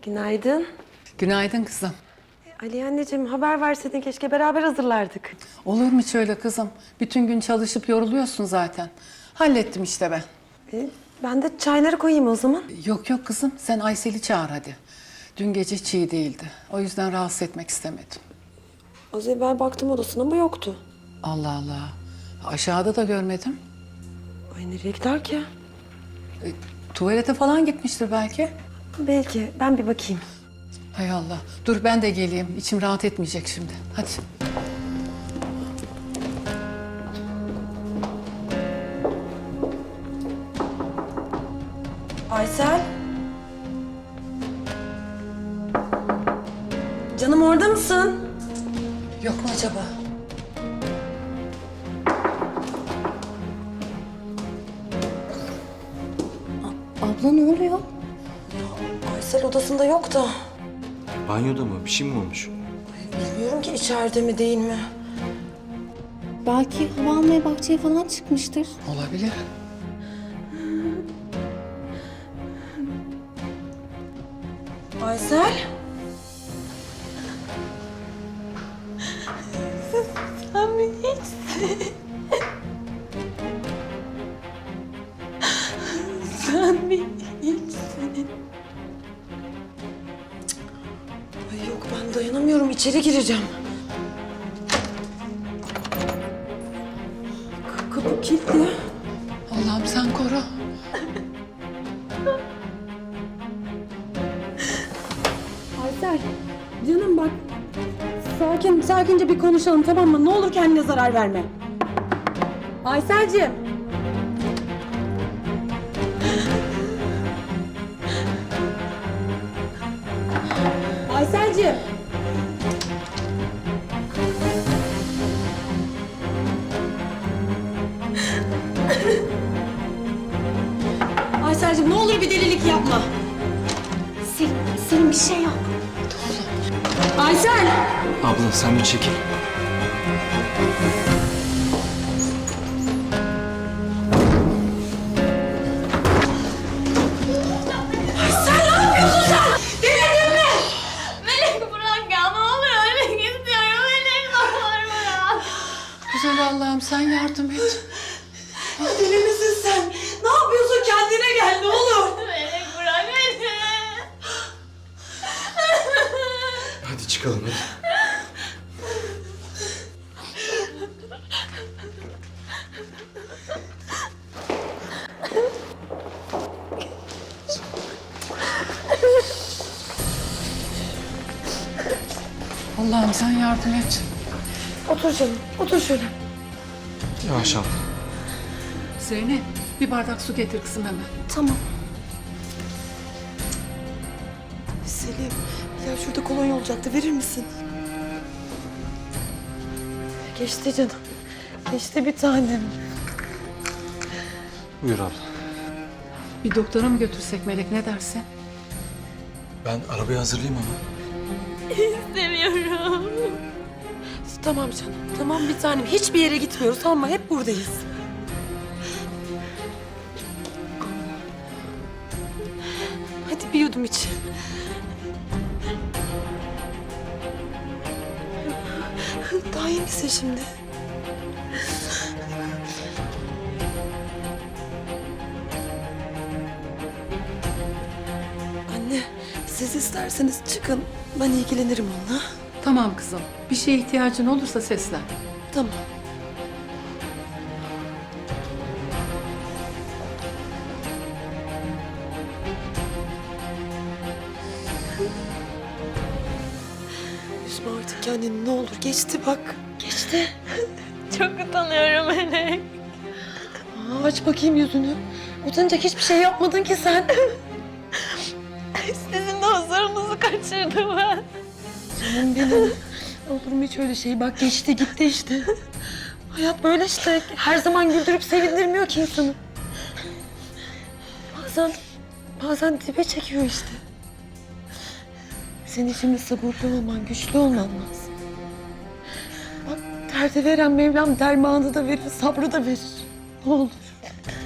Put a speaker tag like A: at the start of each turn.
A: Günaydın.
B: Günaydın kızım.
A: Ali anneciğim haber verseydin keşke beraber hazırlardık.
B: Olur mu hiç öyle kızım? Bütün gün çalışıp yoruluyorsun zaten. Hallettim işte ben.
A: Ben de çayları koyayım o zaman.
B: Yok yok kızım, sen Aysel'i çağır hadi. Dün gece hiç iyi değildi. O yüzden rahatsız etmek istemedim.
A: Az evvel baktım odasına ama yoktu.
B: Allah Allah. Aşağıda da görmedim.
A: Ay nereye gider ki?
B: Tuvalete falan gitmiştir belki.
A: Belki. Ben bir bakayım.
B: Hay Allah. Dur ben de geleyim. İçim rahat etmeyecek şimdi. Hadi.
A: Aysel. Canım orada mısın?
B: Yok mu acaba?
A: Abla ne oluyor? Aysel odasında yok da.
C: Banyoda mı? Bir şey mi olmuş?
A: Bilmiyorum ki içeride mi değil mi?
D: Belki hava almaya bahçeye falan çıkmıştır.
B: Olabilir.
A: Aysel. Sen mi hiçsin? Sen mi hiçsin? Ay yok ben dayanamıyorum içeri gireceğim. Kapı kilitli.
B: Allah'ım sen koru.
A: Aysel, canım bak. Sakince bir konuşalım tamam mı? Ne olur kendine zarar verme. Ayselciğim. Ayselciğim. Ayselciğim ne olur bir delilik yapma.
D: Senin bir şey yok.
A: Aysel!
C: Abla sen bir çekil.
D: Melek bırak ya, ne oluyor? Ölmek istiyorum. Melek ne olur bırak.
B: Güzel Allah'ım sen yardım et.
A: Deli misin sen? Ne yapıyorsun? Kendine gel ne olur.
D: Melek bırak beni.
C: Hadi çıkalım hadi.
B: Allah'ım sen yardım et.
A: Otur canım, otur şöyle.
C: Yavaş abla.
B: Zeynep bir bardak su getir kızım hemen.
A: Tamam. Selim, ya şurada kolonya olacaktı, verir misin? Geçti canım. Geçti bir tanem.
C: Buyur abla.
B: Bir doktora mı götürsek Melek ne dersin?
C: Ben arabayı hazırlayayım ama.
D: İstemiyorum.
A: Tamam canım, tamam bir tanem. Hiçbir yere gitmiyoruz tamam mı? Hep buradayız. Hadi bir yudum iç. Daha iyi misin şimdi? Anne, siz isterseniz çıkın. Ben ilgilenirim onunla.
B: Tamam kızım. Bir şeye ihtiyacın olursa seslen.
A: Tamam. Üzme artık kendini ne olur. Geçti bak. Geçti.
D: Çok utanıyorum Melek.
A: Aç bakayım yüzünü. Utanacak hiçbir şey yapmadın ki sen.
D: Sizin de huzurunuzu kaçırdım ben.
A: Canım benim. Olur mu hiç öyle şey? Bak geçti gitti işte. Hayat böyle işte. Her zaman güldürüp sevindirmiyor ki insanı. Bazen dibe çekiyor işte. Senin şimdi sabırlı olman, güçlü olman lazım. Bak derde veren Mevlam dermanı da verir, sabrı da verir. Ne olur.